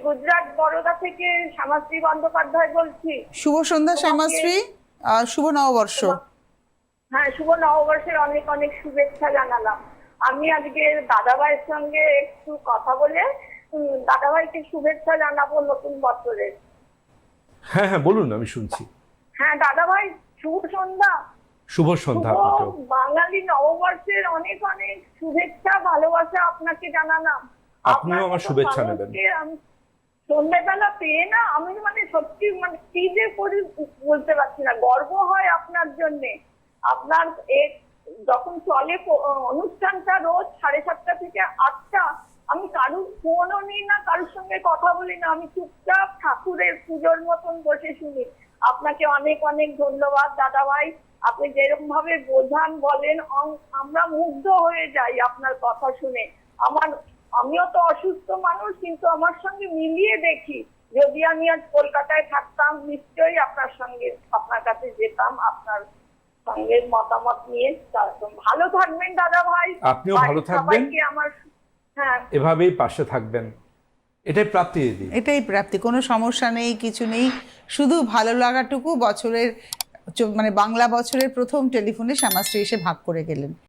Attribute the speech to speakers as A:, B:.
A: গুজরাট বরোদা থেকে শ্যামাশ্রী বন্দ্যোপাধ্যায় বলছি।
B: শুভ সন্ধ্যা শ্যামাশ্রী, শুভ নববর্ষ।
A: হ্যাঁ, শুভ নববর্ষের অনেক অনেক শুভেচ্ছা জানালাম। আমি আজকে দাদাভাইয়ের সঙ্গে একটু কথা বলে দাদাভাইকে শুভেচ্ছা জানাবো নতুন বছরের।
C: হ্যাঁ হ্যাঁ বলুন, আমি শুনছি।
A: হ্যাঁ দাদাভাই, শুভ সন্ধ্যা।
C: শুভ সন্ধ্যা আপনাকেও।
A: বাঙালি নববর্ষের অনেক অনেক শুভেচ্ছা, ভালোবাসা আপনাকে জানালাম।
C: আপনিও আমার শুভেচ্ছা নেবেন।
A: সন্ধ্যেবেলা পেয়ে না আমি সত্যি কি যে করি বলতে পারছি না। গর্ব হয় আপনার জন্যে। আপনার যখন চলে অনুষ্ঠানটা রোজ 7:30 থেকে 8টা, আমি কারুর ফোনও নিই না, কারুর সঙ্গে কথা বলি না, আমি চুপচাপ ঠাকুরের পুজোর মতন বসে শুনি। আপনাকে অনেক অনেক ধন্যবাদ দাদা ভাই। আপনি যেরকম ভাবে বোঝান বলেন, আমরা মুগ্ধ হয়ে যাই আপনার কথা শুনে। আমিও তো অসুস্থ মানুষ, কিন্তু আমার সঙ্গে মিলিয়ে দেখি যদি আমি আজ কলকাতায় থাকতাম নিশ্চয়ই আপনার কাছে যেতাম, আপনার সঙ্গে মতামত নিয়ে। ভালো থাকবেন দাদা ভাই।
C: আপনিও ভালো থাকবেন,
A: হ্যাঁ
C: এভাবেই পাশে থাকবেন, এটাই প্রাপ্তি দিদি।
B: এটাই প্রাপ্তি, কোনো সমস্যা নেই, কিছু নেই, শুধু ভালো লাগাটুকু বছরের বাংলা বছরের প্রথম টেলিফোনে শ্যামাশ্রী এসে ভাগ করে গেলেন।